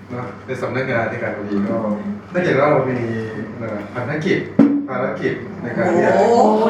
นะในสำนักงานในการบดีก็ถ้าเกิดว่าเรามีภารกิจในการที่จะ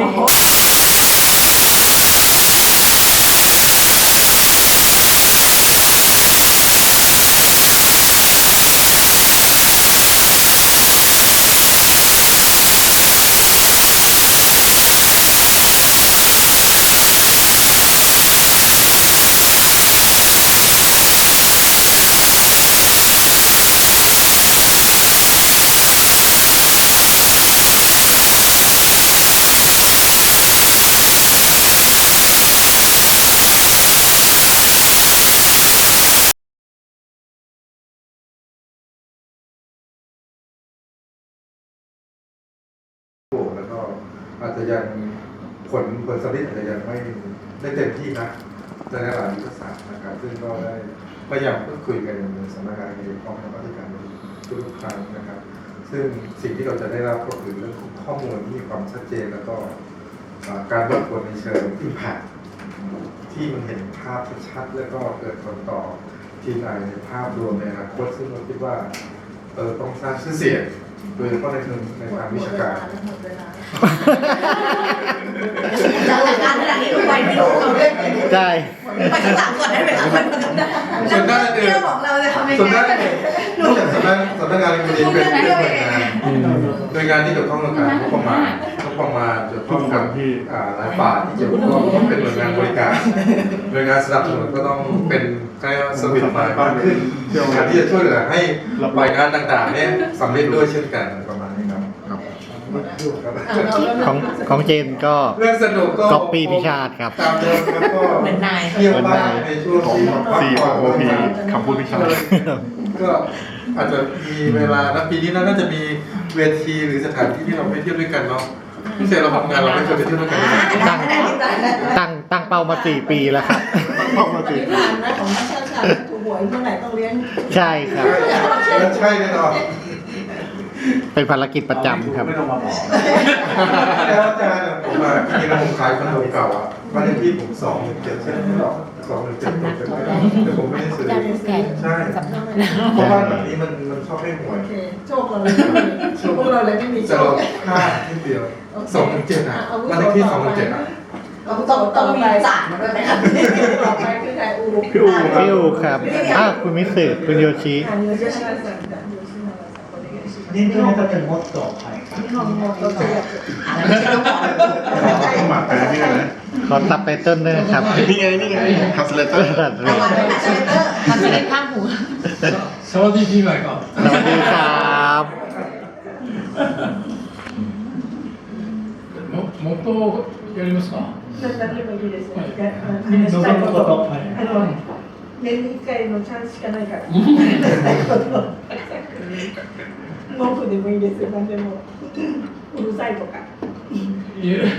แล้วก็อาจจะยังผลสำลิดอาจจะยังไม่ได้เต็มที่นะในหลายยุทธศาสตร์นะครับซึ่งก็ได้พยายามพูดคุยกันในสำนักงานในกองทัพอธิการทุกครั้งนะครับซึ่งสิ่งที่เราจะได้รับก็คือเรื่องของข้อมูลที่มีความชัดเจนแล้วก็การวัดผลในเชิง impact ที่มันเห็นภาพชัดๆแล้วก็เกิดผลต่อทีมงานในภาพรวมในอนาคตซึ่งเราคิดว่าต้องสร้างชื่อเสียงโดยเฉพาะในทางวิชาการจากรายการขนาดนี้ไปไม่รู้เราเล่นใช่ไปข้างหลังก่อนได้ไหมคะส่วนด้านอื่นบอกเราจะทำยังไงนอกจากสำนักงานบดีเป็นหน่วยงานที่เกี่ยวข้องกับการงบประมาณเกี่ยวข้องกับหลายฝ่ายที่เกี่ยวข้องต้องเป็นหน่วยงานบริการหน่วยงานสนับสนุนก็ต้องเป็นใกล้สวิตมากขึ้นการที่จะช่วยเหลือให้รายงานต่างๆเนี่ยสำเร็จด้วยเช่นกันประมาณนี้ครับของเจนก็เรื่องสนุกก็ก๊อปปี้พิชาติครับตามเดิมแล้วก็เหมือนนายเที่ยวบ้านในช่วงที่ COP คำพูดพิชาติก็อาจจะมีเวลาแล้วปีนี้น่าจะมีเวทีหรือสถานที่ที่เราไปเที่ยวด้วยกันเนาะพิเศษเราทำงานเราไม่เคยไปเที่ยวด้วยกันตั้งเป้ามา4 ปีแล้วครับเป้ามา4 ปีนะของนักเชี่ยวชาญถูกหวยเมื่อไหร่ต้องเลี้ยงใช่ครับใช่แน่นอนเป็นภารกิจประจำครับไม่ต้องมาบอกแล้วอาจารย์ผมมาที่ร้านขายคอนโดเก่าอ่ะบ้านเลขที่ผม217ใช่ไหม217แต่ผมไม่ได้ซื้อใช่เพราะว่าแบบนี้มันชอบให้หวยโชคเราเลยพวกเราเลยไม่มีโชคค่าที่เดียว217อ่ะบ้านเลขที่217อ่ะต้องมีจ่ายมาด้วยไหมครับต่อไปคือใครพี่อูครับคุณมิสึคุณโยชิ年長の方にもっと、はい。 日本語と通訳。 ต้องมาไปนี่เลยขอตับไตเติ้ลด้วยครับนี่ไงทัสเลเตอร์ทัสเลเตอร์ข้างหูสวัสดีพี่ใหม่ก่อนสวัสดีครับもっとやりますか何でもいいです。 望むこと。 年に1回のチャンスしかないから。文句でもいいですよ。何でもうるさいとか。 いえ、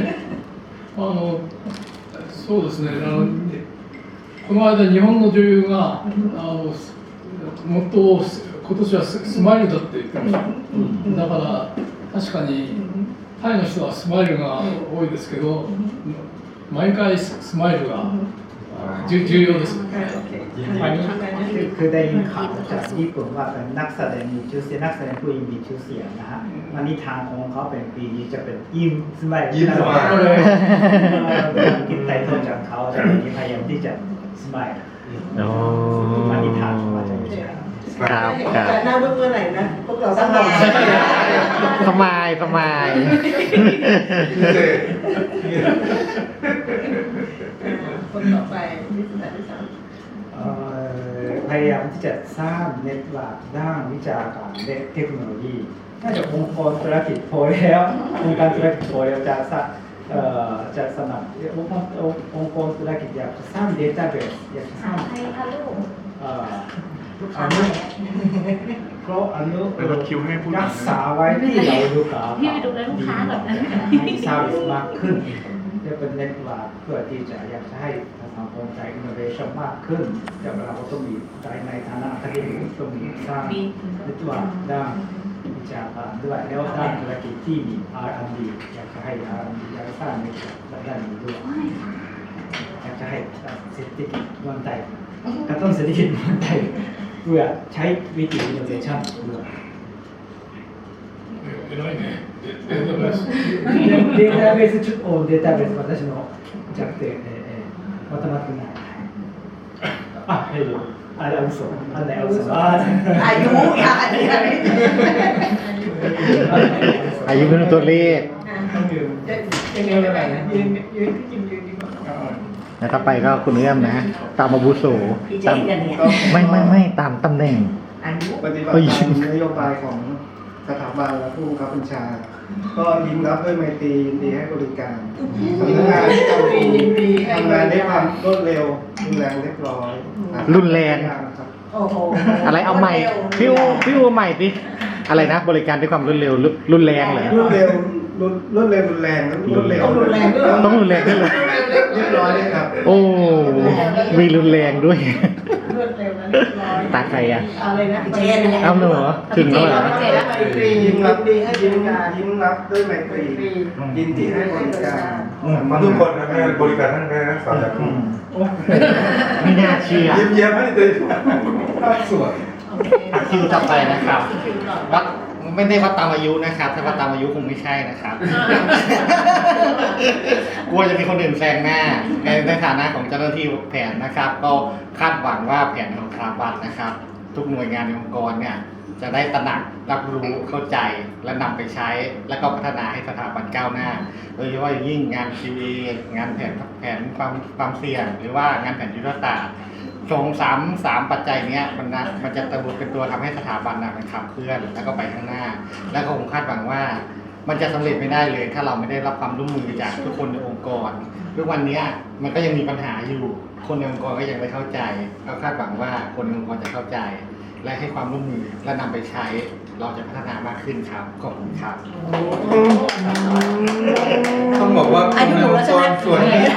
そうですね。この間日本の女優がもっと今年はスマイルだって言ってました。だから確かにタイの人はスマイルが多いですけど、毎回スマイルが重要ですよね。 อันนี้คือได้ยินข่าวจากญี่ปุ่นว่าเป็นนักแสดงมีชื่อเสียงนักแสดงผู้หญิงมีชื่อเสียงนะฮะวันนี้ทางของเขาเป็นปีนี้จะเป็นยิ้มสมัยเลยกินไตโตจากเขาแต่วันนี้พยายามที่จะสมัยวันนี้ทางเขาจะไม่ใช่ครับแต่หน้าเมื่อไหร่นะพวกเราสบายคนต่อไปวิทยาศาสตร์พยายามที่จะสร้างเน็ตเวิร์กด้านวิชาการและเทคโนโลยีน่าจะองค์กรธุรกิจพอแล้วองค์การธุรกิจพอแล้วจะสนับองค์กรธุรกิจอยากจะสร้างเดต้าเบสอยากจะสร้างเพราะรักษาไว้ที่เราดูกับพี่ไปดูแลลูกค้าแบบนั้นให้ซาร์วิสมากขึ้นจะเป็นเน็ตเวิร์กเพื่อที่จะอยากจะให้สังคมใจอินโนเวชั่นมากขึ้นแต่เราก็ต้องมีในฐานะที่ต้องมีสร้างเน็ตเวิร์กด้านวิชาการด้วยแล้วด้านธุรกิจที่มี R&D อยากจะให้ R&D อยากจะสร้างในด้านนี้ด้วยอยากจะให้เศรษฐกิจเมืองไทยกระตุ้นเศรษฐกิจเมืองไทยพื่อใช้วิธี innovation ด้วย偉いね。データベース。 データベースをデータベース私の弱点まとまってないああれ嘘あれ嘘あอายุอย่าอันนี้อะไรอายุเป็นตัวเลขต้องยืนยังไงยังไงนะยืนที่ยืนดีกว่าแล้วต่อไปก็คุณเอื้อมนะ ตามอาวุโสพี่เจตามกันเนี่ยไม่ตามตำแหน่งอายุปฏิบัติตามนโยบายของสถาบันและผู้บังคับบัญชา ก็ยิ้มรับด้วยไมตรียินดีให้บริการทำงานด้วยความรวดเร็วรุนแรงเรียบร้อยรุนแรงครับโอ้โหอะไรเอาใหม่พี่อูใหม่ดิอะไรนะ บริการด้วยความรวดเร็วรุนแรงเหรอรวดเร็วรุนแรงครับรวดเร็วต้องรุนแรงด้วยต้องรุนแรงด้วยเหรอเรียบร้อยเลยครับโอ้มีรุนแรงด้วยรวดเร็วนะเรียบร้อยตาใครอ่ะอะไรนะพี่เจนเนี่ยเอาหนูเหรอถึงแล้วเหรอยิ้มรับยิ้มรับด้วยไมตรียินดีให้บริการมาทุกคนนะแม่บริการท่านแม่นะสาวจากไม่น่าเชื่อยิ้มแย้มให้เลยภาพสวยคิวต่อไปนะครับวัดไม่ได้วัดตามอายุนะครับ ถ้าวัดตามอายุคงไม่ใช่นะครับ กลัวจะมีคนอื่นแซงหน้าในฐานะของเจ้าหน้าที่แผนนะครับ ก็คาดหวังว่าแผนของสถาบันนะครับ ทุกหน่วยงานในองค์กรเนี่ยจะได้ตระหนักรับรู้เข้าใจและนำไปใช้ แล้วก็พัฒนาให้สถาบันก้าวหน้า โดยเฉพาะอย่างยิ่งงาน QA งานแผนความเสี่ยง หรือว่างานแผนยุทธศาสตร์สามปัจจัยเนี้ยมันจะเป็นตัวทำให้สถาบันมันขับเคลื่อนแล้วก็ไปข้างหน้า แล้วก็ผมคาดหวังว่ามันจะสำเร็จไม่ได้เลยถ้าเราไม่ได้รับความร่วมมือจากทุกคนในองค์กรทุกวันนี้มันก็ยังมีปัญหาอยู่คนในองค์กรก็ยังไม่เข้าใจเราคาดหวังว่าคนในองค์กรจะเข้าใจ และให้ความร่วมมือและนำไปใช้เราจะพัฒนามากขึ้นครับขอบคุณครับต้องบอกว่าคนในองค์กรส่วนนี้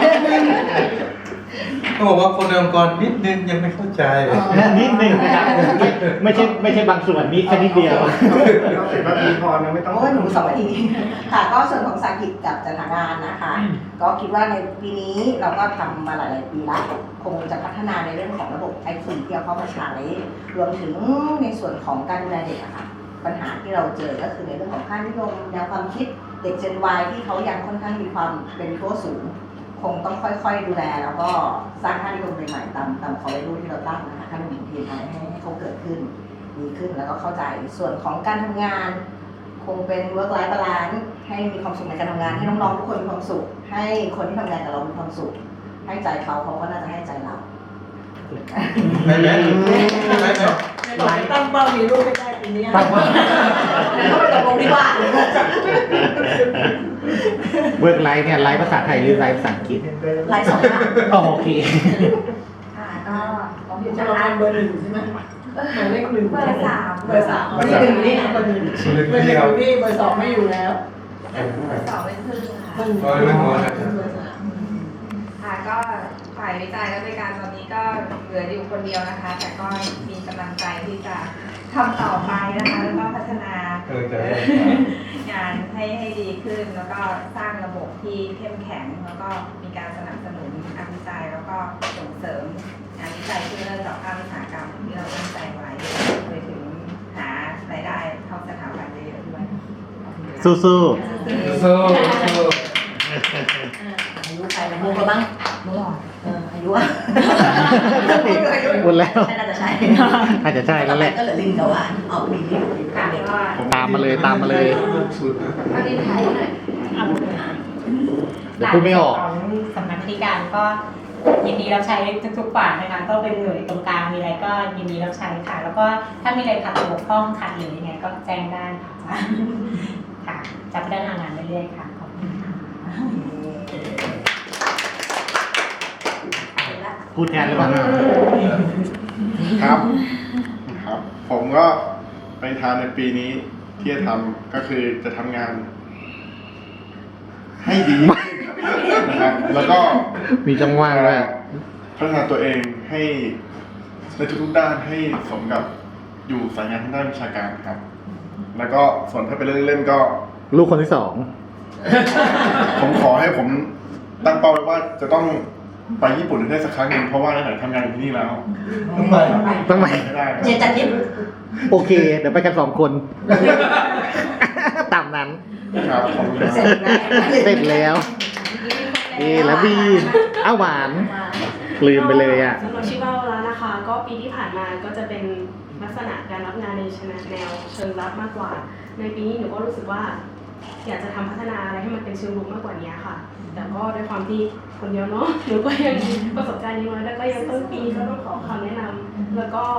ต้องบอกว่าคนในองค์กรนิดนึงยังไม่เข้าใจนิดหนึ่งนะครับไม่ใช่บางส่วนนี้แค่นิดเดียวเราเสร็จนาทีพอนะไม่ต้องโอ้ยหนู2 นาทีค่ะก็ส่วนของสากิจกับจัดหางานนะคะ ก็คิดว่าในปีนี้เราก็ทำมาหลายๆปีแล้วคงจะพัฒนาในเรื่องของระบบ IT ที่เอาเข้ามาใช้รวมถึงในส่วนของการดูแลเด็กอะค่ะปัญหาที่เราเจอก็คือในเรื่องของค่านิยมแนวความคิดเด็ก Gen Y ที่เขายังค่อนข้างมีความเป็นตัวสูง คงต้องค่อยๆดูแลแล้วก็สร้างค่านิยมใหม่ๆตามคอร์เรลูที่เราตั้งนะคะค่านิยม TNI ให้เขาเกิดขึ้นดีขึ้นแล้วก็เข้าใจส่วนของการทำงาน คงเป็น work life balance ให้มีความสุขในการทำงานให้น้องๆทุกคนมีความสุข ให้คนที่ทำงานกับเรามีความสุข ให้ใจเขาก็น่าจะให้ใจเราได้ไหมหลายตั้งเป้ามีลูกไม่ได้ปีนี้ตั้งว่าแล้วก็ไปตกลงดีกว่าเวิร์กไลฟ์เนี่ยไลฟ์ภาษาไทยหรือไลฟ์ภาษาอังกฤษหลาย2 อย่างอ๋อโอเคค่ะก็ของเดี๋ยวจะจะรัรับบเบอร์ 1ใช่ไหมหมายเลข 1 เบอร์ 3 เบอร์ 3เบอร์ 1นี่เบอร์ 1เบอร์ 1นี่เบอร์ 2ไม่อยู่แล้ว 2เป็นครึ่งค่ะเบอร์ 1เบอร์ค่ะก็ฝ่ายวิจัยและบริการตอนนี้ก็เหลืออยู่คนเดียวนะคะ แต่ก็มีกำลังใจที่จะทำต่อไปนะคะแล้วก็พัฒนางานให้ดีขึ้น แล้วก็สร้างระบบที่เข้มแข็ง แล้วก็มีการสนับสนุนงานวิจัยแล้วก็ส่งเสริมงานวิจัยที่เริ่มจากภาคอุตสาหกรรมที่เราตั้งใจไว้ไปถึงหารายได้เข้าสถาบันเยอะๆด้วยสู้สู้อายุใครมุกแล้วบ้างอายุอะๆหมดแล้วน่าจะใช่อาจจะใช่แล้วแหละก็เหลือลินกับหวานออกปีนี้ค่ะก็ตามมาเลยสุดนะเอาดินไทยหน่อยเดี๋ยวพูดไม่ออกของสำนักงานการก็ยินดีรับใช้ทุกๆฝ่ายนะคะก็เป็นหน่วยตรงกลางมีอะไรก็ยินดีรับใช้ค่ะ แล้วก็ถ้ามีอะไรขัดบกพร่องขาดเหลือยังไงก็แจ้งได้ค่ะค่ะจะพัฒนางานเรื่อยๆค่ะขอบคุณค่ะพูดแทนหรือเปล่าครับ ผมก็ไปทานในปีนี้ที่จะทำก็คือจะทำงาน ให้ดีนะครับแล้วก็มีจังหวะด้วยพัฒนาตัวเองให้ในทุกๆด้านให้สมกับอยู่สายงานทางด้านวิชาการครับ แล้วก็ส่วนถ้าเป็นเล่นๆก็ลูกคนที่ 2 ผมขอให้ผมตั้งเป้าไว้ว่าจะต้องไปญี่ปุ่นได้สักครั้งหนึ่งเพราะว่าไหนๆทำงานอยู่ที่นี่แล้วต้องไปต้องไหมไม่ได้เจนจัดทิปโอเค เดี๋ยวไปกัน2 คน ตามนั้นครับขอบคุณครับเสร็จแล้วเสร็จแล้วนี่แล้วบีอ้าวหวาน ลืมไปเลยอ่ะสำหรับชิบาวาระนะคะ ก็ปีที่ผ่านมาก็จะเป็นลักษณะการรับงานในแนวเชิงรับมากกว่า ในปีนี้หนูก็รู้สึกว่า อยากจะทำพัฒนาอะไรให้มันเป็นเชิงรุกมากกว่านี้ค่ะ แต่ก็ด้วยความที่คนเดียวเนาะหนูก็ยังประสบการณ์น้อยแล้วก็ยังต้นปีก็ต้องขอคำแนะนำแล้วก็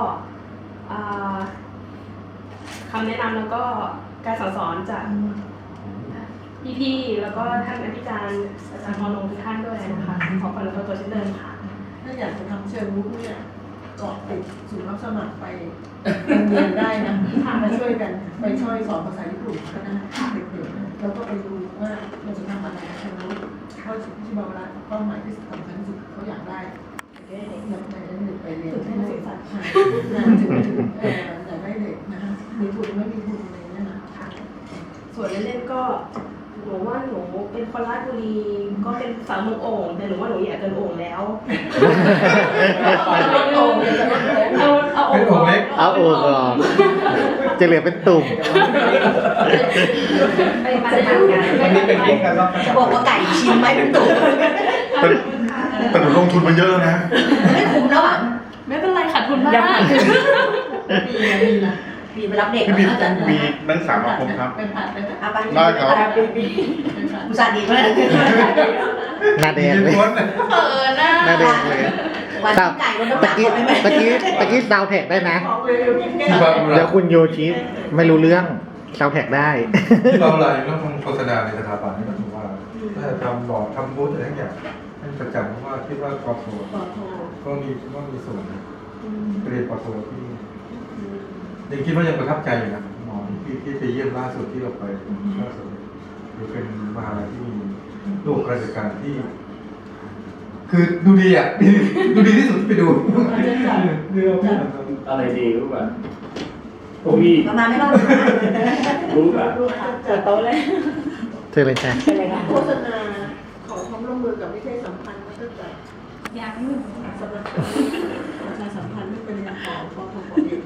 คำแนะนำแล้วก็การสอนจากพี่ๆแล้วก็ท่านอธิการอาจารย์พรลงทุกท่านด้วยนะคะขอความรับตัวเช่นเดิมค่ะถ้าอยากจะทำเชิงรุกเนี่ยเกาะติดศูนย์รับสมัครไปโรงเรียนได้นะมาช่วยกันไปช่วยสอนภาษาญี่ปุ่นก็ได้เด็กๆแล้วก็ไปดูว่าเราจะทำอะไรเชิงรุกเข้าที่บาวาระเป้าหมายที่สำคัญที่สุดเขาอยากได้เด็กอยากได้เด็กไปเรียนให้ศึกษาถึงอยากได้เด็กนะคะมีทุนไม่มีทุนอะไรเนี่ยนะส่วนเล่นๆก็หนูว่าหนูเป็นคนราชบุรีก็เป็นสาวเมืองโอ่งแต่หนูว่าหนูอยากเกินโอ่งแล้วเอาโอ่งเป็นองค์เล็กเอาโอ่งออกจะเหลือเป็นตุ่มไปมาทำกันวันนี้เป็นเรื่องการรับจะบอกว่าไก่ชิ้นไหมเป็นตุ่มแต่หนูลงทุนมาเยอะแล้วนะไม่คุ้มแล้วอ่ะไม่เป็นไรขาดทุนบ้างมีไปรับเด็กพี่บีอาจารย์มีนักศึกษามาคมครับเป็นผัดเป็นผัดเอาไปได้ครับอุตส่าห์ดีมากหน้าแดงเลยล้วนหน้าแดงเลยวันที่ไก่ลดน้ำหตะนักกี้ได้ไหมตะกี้ดาวแท็กได้นะบอกเลยกินแก้ที่วบางเดี๋ยวคุณโยชิไม่รู้เรื่องดาวแท็กได้ที่บางรายเรื่องของโฆษณาในสถาบันนี่ก็ถือว่าถ้าทำบอร์ดทำบูธอะไรทั้งอย่างให้ประจำเพราะว่าคิดว่ากอโทต่อโทรก็มีส่วนนะเรียนกอโทที่ยังคิดว่ายังประทับใจอยู่นะหมอที่ไปเยี่ยมล่าสุดที่เราไปล่าสุดหรือเป็นมหาลัยที่มีระบบราชการที่ คือดูดีอ่ะ ดูดีที่สุดที่ไปดูเรื่องอะไรดีรู้ป่ะพวกพี่ประมาณไม่รอดรู้ป่ะลูกค้าเปิจะดโต๊ะเลยเธอเลยจ้ะโฆษณาขอความร่วมมือกับวิทยาสัมพันธ์แล้วก็จะยังสำหรับประชาสัมพันธ์ไม่เป็นอย่างของปทปเอง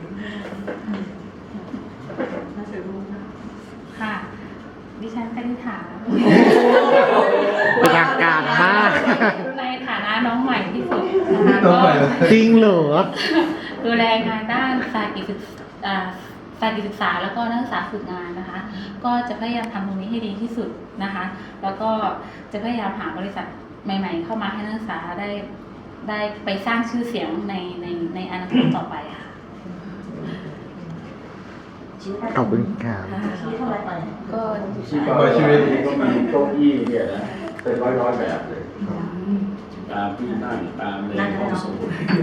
น่าจะรู้นะค่ะ ดิฉันคณิษฐาเป็นทางการมากในฐานะน้องใหม่ที่สุดนะคะต้อก็งไปเลยจริงเหรอดูแลงานด้านสายกิจศึกษาแล้วก็นักศึกษาฝึกงานนะคะ ก็จะพยายามทำตรงนี้ให้ดีที่สุดนะคะ แล้วก็จะพยายามหาบริษัทใหม่ ๆ เข้ามาให้นักศึกษาได้ไปสร้างชื่อเสียงในอนาคตต่อไปค่ะขอบคุณครับชี้เท่าไหร่ไปก็ชีพชีวิตก็มีเก้าอี้เนี่ยนะเป็นร้อยแบบเลยตามที่นั่งตามในห้องสมุด